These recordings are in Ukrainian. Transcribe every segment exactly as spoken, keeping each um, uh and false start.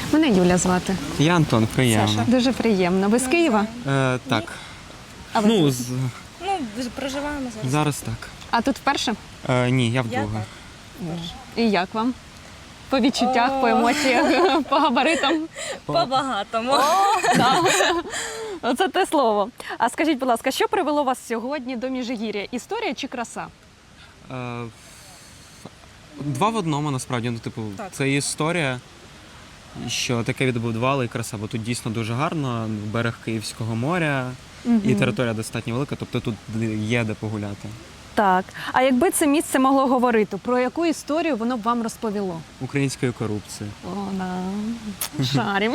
Мене Юля звати. Я Антон, приємно. Дуже приємно. Ви з Києва? Е, так. А ви? Ну, з... Ну, проживаємо зараз. зараз так. А тут вперше? Е, ні, я Я вдруге. так. І як вам? По відчуттях, по емоціях, по габаритам? По-багатому. Оце те слово. А скажіть, будь ласка, що привело вас сьогодні до Міжгір'я? Історія чи краса? Е, два в одному, насправді. Ну, типу, Так. це історія, що таке відбудували і краса, бо тут дійсно дуже гарно, берег Київського моря, і територія достатньо велика, тобто тут є де погуляти. Так. А якби це місце могло говорити, про яку історію воно б вам розповіло? Української корупції. О, да. Шарім.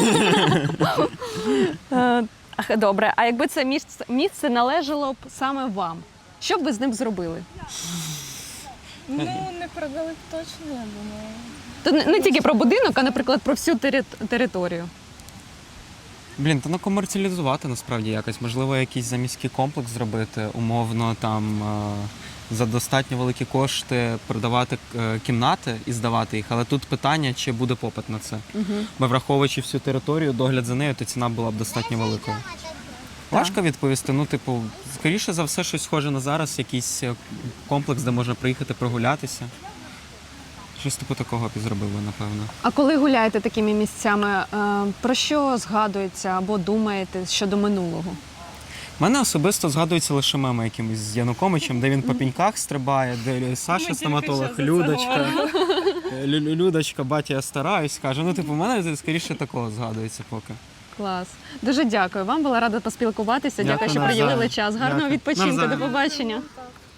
Е, ах, Добре, а якби це місце, місце належало б саме вам, що б ви з ним зробили? Ну, не продали б точно, я думаю. Тут не, не тільки про будинок, а, наприклад, про всю тери- територію. Блін, та ну комерціалізувати насправді якось. Можливо, якийсь заміський комплекс зробити, умовно там е, за достатньо великі кошти продавати е, кімнати і здавати їх. Але тут питання, чи буде попит на це. Угу. Бо враховуючи всю територію, догляд за нею, то ціна була б достатньо великою. Важко відповісти. Ну, типу, скоріше за все, щось схоже на зараз, якийсь е, комплекс, де можна приїхати прогулятися. Щось типу такого б і зробили, напевно. А коли гуляєте такими місцями, е, про що згадується або думаєте щодо минулого? У мене особисто згадуються лише меми якимось з Януковичем, де він по піньках стрибає, де Саша стоматолог, Людочка, Лю- Людочка, батя, я стараюсь, каже. Ну, типу, в мене скоріше такого згадується поки. Клас. Дуже дякую. Вам була рада поспілкуватися. Дякую, Дякую, що навзаєм. приділили час. Гарного Дякую. відпочинку. До Навзаєм. побачення.